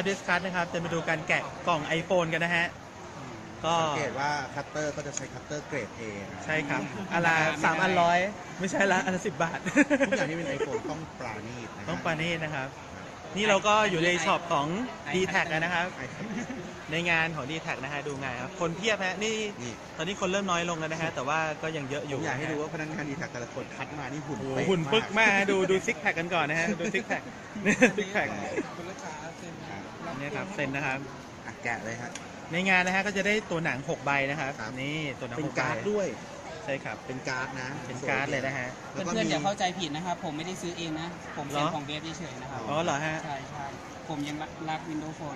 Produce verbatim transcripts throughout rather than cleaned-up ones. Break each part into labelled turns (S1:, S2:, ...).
S1: address card นะครับจะมาดูการแกะกล่อง iPhone กันนะฮะก็
S2: สังเกตว่าคัตเตอร์ก็จะใช้คัตเตอร์เกรด A
S1: ใช่ครับอันละสามอันร้อยไม่ใช่ละอันละสิบบาท
S2: ทุกอย่างที่เป็น iPhone ต้องปราณีตนะ
S1: ต้องปราณีตนะครับนี่เราก็อยู่ในช็อปของ ดี แท็ก นะครับในงานของ ดี แท็ก นะฮะดูงานครับคนเพียบฮะนี่ตอนนี้คนเริ่มน้อยลงแล้วนะฮะแต่ว่าก็ยังเยอะอยู่
S2: ผมอยากให้ดูว่าพนักงาน ดี แท็ก แต่ละคนคัดมานี่หุ่น
S1: หุ่นปึ๊กมากดูดูซิกแพคกันก่อนนะฮะดูซิกแพคซิกแพคนี่ครับเซ็นนะครับ
S2: แกะเลยครับ
S1: ในงานนะฮะก็จะได้ตัวหนังหกใบนะครับนี่ตัวหนัง
S2: เป็นการ์ดด้วย
S1: ใช่ครับ
S2: เป็นการ์ดนะ
S1: เป็นการ์ดเลยนะฮะ
S3: เพื่อนๆอย่าเข้าใจผิดนะครับผมไม่ได้ซื้อเองนะผมเซ็นของเบฟเฉยๆนะครับ
S1: อ๋อเหรอฮะ
S3: ใช่ใช่ผมยังรัก Windows Phone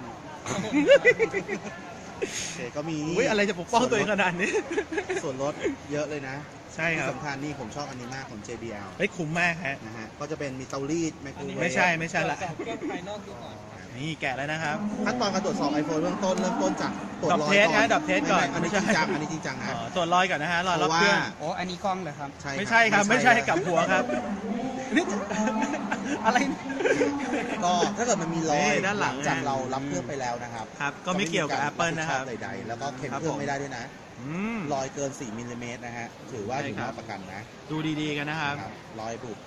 S2: เก็มี
S1: อะไรจะปกป้องตัวเองขนาดนี้
S2: ส่วนลดเยอะเลยนะ
S1: ใช่ครับ
S2: สำคัญนี่ผมชอบอันนี้มากของ เจ บี แอล
S1: เฮ้ยคุ้มมากฮะ
S2: นะฮะก็จะเป็นมีเตารีดไมโครเวฟ
S1: ไม่ใช่ไม่ใช่ละนี่แกะแล้วนะครับ
S2: ขั้นตอนการตรวจสอบ iPhone เริ่มต้นเริ่มต้นจากตรวจรอย
S1: ก่อนดับเทสก่อน
S2: อันนี้จริงจังอันนี้จริงจังนะ
S1: ตรวจรอยก่อนนะฮะรอยรอบเครื่อง
S3: โอ้อันนี้กล้องเหรอครับ
S1: ไม่ใช่ครับไม่ใช่กับหัวครับนี่อะไร
S2: ก็ถ้าเกิดมันมีรอยด้านหลังจากเรารับเครื่องไปแล้วนะครับ
S1: ครับก็ไม่เกี่ยวกับ Apple นะครับ
S2: ใดๆแล้วก็เข็มเครื่องไม่ได้ด้วยนะรอยเกินสี่มิลลิเมตรนะฮะถือว่าอยู่นอกประกันนะ
S1: ดูดีๆกันนะครับ
S2: รอยบุบ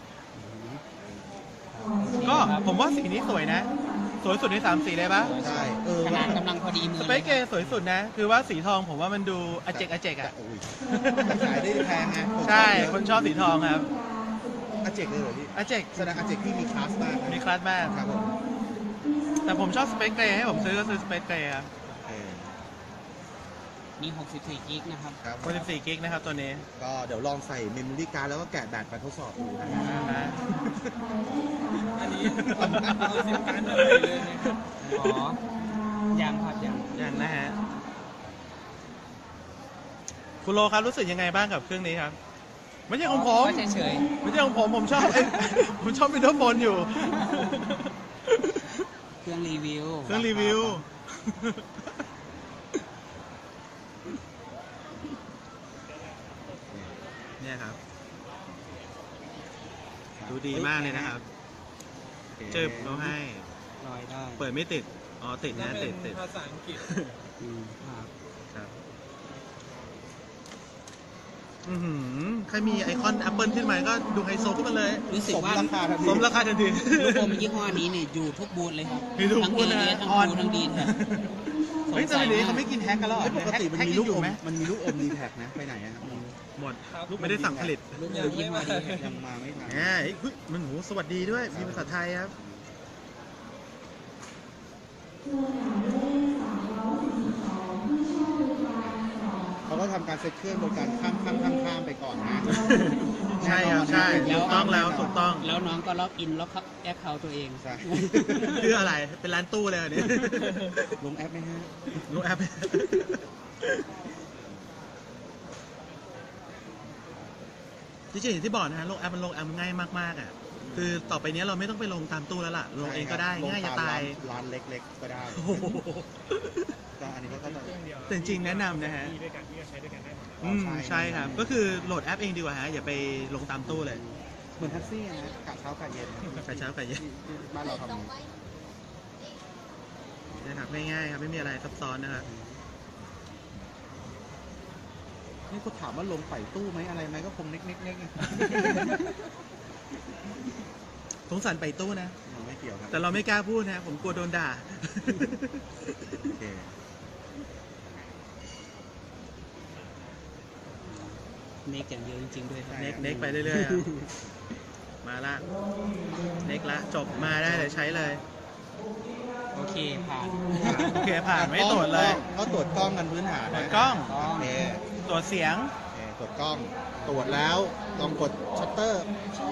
S1: ก็ผมว่าสีนี้สวยนะสวยสุดในสามสีเลยปะ
S2: ใช่เออ
S3: ขนาดกำลังพอดีมือ
S1: สเปคเกย์สวยสุดนะคือว่าสีทองผมว่ามันดูอเจกอเจกอ่ะ
S2: ขายได้แพงไง
S1: ใช่คนชอบสีทองครับ
S2: อเจกเลยเหรอพี่
S1: อเจก
S2: แสดงอเจกที่มีคลาสมาก
S1: มีคลาสมาก
S2: ครับผม
S1: แต่ผมชอบสเปคเกย์ให้ผมซื้อก็ซื้อสเปคเกย์ครับ
S3: มีหกสิบสี่กิกนะครับ
S1: หกสิบสี่กิกนะครับตัวนี้
S2: ก็เดี๋ยวลองใส่เมมโมรี่การ์ดแล้วก็แกะแบตไปทดสอบดูนะ
S3: อันนี้เอาซิมการ์ดเลยเลยอ๋อยังครับยัง
S1: ยังนะฮะคุณโลครับรู้สึกยังไงบ้างกับเครื่องนี้ครับไม่ใช่ของผม
S3: เฉย
S1: ๆไม่ใช่ของผมผมชอบผมชอบวินโดว์โฟนอยู่
S3: เครื่องรีวิว
S1: เครื่องรีวิวเนี่ยครับดูดีมากเลยนะครับจึบเราให้
S3: ลอยได้
S1: เปิดไม่ติดอ๋อติดนะติดติด
S3: ภาษาอังกฤษครับ
S1: ครับอือใครมีไอคอน Apple ขึ้นมาก็ดูไฮโซขึ้นมาเลย
S3: รู้สึกว่า
S1: สมราคาทันที
S3: ลูกอมยี่ห้อนี้เนี่ยอยู่ทุกบูธเลยครับ
S1: ทั้งเอ
S3: เอทั้งบูทั้งดีน
S1: เฮ้ยตอนนี้เขาไม่กินแฮกกันแล้ว
S2: ปกติมันมีลูกอมมันมีลูกอมดีแท็กนะไปไหนอะ
S1: หมดไม่ได้สั่งผลิต
S2: ลูกอมยี่ห้อนี้ยังมาไม่ทัน
S1: แหมเฮ้ยมันโหสวัสดีด้วยมีภาษาไทยครับ
S2: เขาก็ทำการเซ็ตเครื่องโดยการข้ามข้ามข้ามข้ามไปก่อนนะ
S1: ใช่ครับใช่ถูกต้องแล้วถูกต้อง
S3: แล้วน้องก็ล็อกอินล็อกแอปเขาตัวเอง
S2: ใช่
S1: คืออะไรเป็นร้านตู้เลยอันนี้
S2: ลงแอปไหมฮะ
S1: ลงแอปจริงๆอย่างที่บอกนะฮะลงแอปมันลงแอปง่ายมากๆอ่ะคือต่อไปนี้เราไม่ต้องไปลงตามตู้แล้วล่ะลงเองก็ได้ง่ายจะตาย
S2: ร้านเล็กๆก็ได้ก็อันนี้ก็
S1: แต่จริงๆแนะนำนะฮะอืมใช่ครับก็คือโหลดแอปเองดีกว่าฮะอย่าไปลงตามตู้เลย
S2: เหมือนแท็กซี่นะกะเช้ากะเย็น
S1: กะเช้ากะเย็น
S2: บ้านเราทำ
S1: นะครับง่ายๆครับไม่มีอะไรซับซ้อนนะครับ
S2: นี่กูถามว่าลงใส่ตู้ไหมอะไรไหมก็คงเน็กๆๆ
S1: สงสารไปตู้นะ
S2: ไม่เกี่ยวครับ
S1: แต่เราไม่กล้าพูดนะผมกลัวโดนด่า
S3: เน็กอย่างเดียวจริงๆด้วยครับ
S1: เน็กเน็กไปเรื่อยๆมาละเน็กละจบมาได้เลยใช้เลย
S3: โอเคผ่าน
S1: โอเคผ่านไม่ตรวจเลย
S2: ก็ตรวจกล้องกันพื้นฐาน
S1: ตรวจกล้อง
S2: โอเค
S1: ตรวจเสียง
S2: ตรวจกล้องตรวจแล้วลองกดชัตเตอร์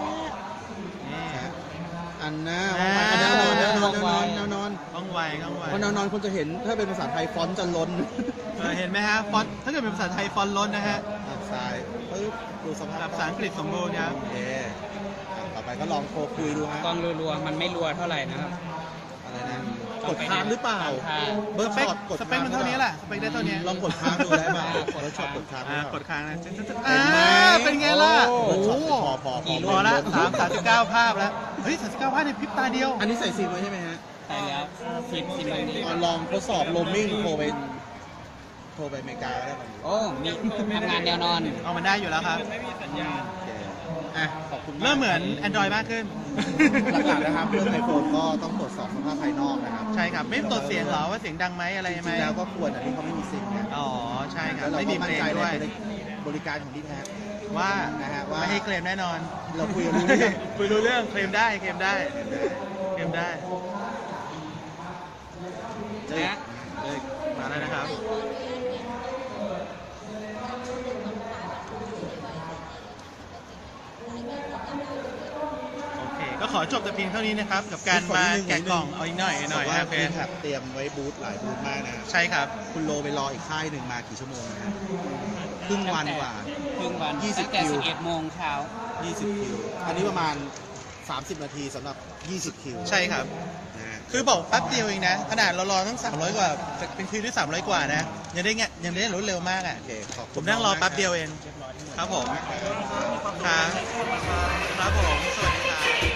S2: อันนะแนวนอนแนวนอนแนวนอนแนวนอน
S1: ต้องไวต้องไว
S2: เพราะแนวนอนคุณจะเห็นถ้าเป็นภาษาไทยฟอนต์จะล้น
S1: เห็นไหมฮะฟอนต์ถ้าเกิดเป็นภาษาไทยฟอนต์ล้นนะฮะ
S2: ใช่ปึ๊บดูสภาพ
S1: ภาษาอังกฤษสมบูรณ์ครับ
S2: โอเคต่อไปก็ลองโทรคุยดูฮะ
S3: กล้องรัวๆมันไม่รัวเท่าไหร่นะครับ
S2: อะไรนะกดค้างหรือเปล่า
S1: เบอร์ช็อตกดสเปคมันเท่านี้แหละสเปคได้เท่านี้
S2: ลองกดค้างดูได้ป่ะเบอร์ช็อตกดค้าง
S1: กดค้างนะอ่าเป็นไงล่ะโอ้โห
S2: พอพอ
S1: พอละสามสามสิบเก้าภาพแล้วเฮ้ยสามสิบเก้าภาพในพริบตาเดียว
S2: อันนี้ใส่ซิมไว้ใช่ไหมฮะ
S3: คแต่แล้วสิบสิบนาที
S2: ลองทดสอบโรมมิ่งโทรไปโทรไปอเมริกาได้ไหม
S3: โอ้ มีทำงานแนวนอน
S1: เอามันได้อยู่แล้วครับ
S2: โอเคอ่ะขอบคุณาก
S1: เริ่มเหมือน Android มากขึ้น
S2: หลักๆนะครับเรื่องไอโฟนก็ต้องตรวจสอบสภาพภายนอกนะครับ
S1: ใช่ครับ ไม่ตรวจเสียงเหรอว่าเสียงดังไหมอะไร
S2: จ
S1: ไหม
S2: ริงๆแล้วก็ควรอันนี้เขาไม่มีซิงค์นะ
S1: อ๋อ ใช่ครับ
S2: แล้วเรา
S1: ไม่
S2: ก็
S1: มีเพ
S2: มั่น
S1: ลง
S2: ใจ
S1: ด้วย
S2: ในบริการของดีแท็ก
S1: ว่า
S2: นะฮะว่า
S1: ไม่ให้เคลมแน่นอน
S2: เราคุยกันรู้เรื่อง
S1: คุยรู้เรื่องเคลมได้เคลมได้เคลมได้
S2: เจ๊
S3: นะ
S1: เอ้ยมาแล้วนะครับ โอเค ก็ขอจบแต่เพียงเท่านี้นะครับ กับการมาแกะกล่องเอาอีกหน่อยอีกหน่อย
S2: ว่า
S1: โอเค
S2: ดีแท็กเตรียมไว้บูธหลายบูธมากนะ
S1: ใช่ครับ
S2: คุณโลไปรออีกค่ายหนึ่งมากี่ชั่วโมงนะฮะครึ่งวันกว่า
S3: ครึ่งวัน
S2: ยี่สิบ
S3: ตั้งแต่
S2: คิว
S3: สิบเอ็ดโมงเช้า
S2: ยี่สิบคิว อันนี้ประมาณ สามสิบ นาทีสำหรับ ยี่สิบ คิว
S1: ใช่ครับ
S2: นะฮะ
S1: คือบอกแป๊บเดียวเองนะ ขนาดเรารอตั้งสามร้อยกว่าเป็นคิวที่สามร้อยกว่านะ ยังได้เงี้ยยังได้รวดเร็วมากอ่ะ
S2: โอเคขอบคุณ
S1: ผมนั่งรอแป๊บเดียวเอง ครับผม ครับ ครับผม สวัสดีครับ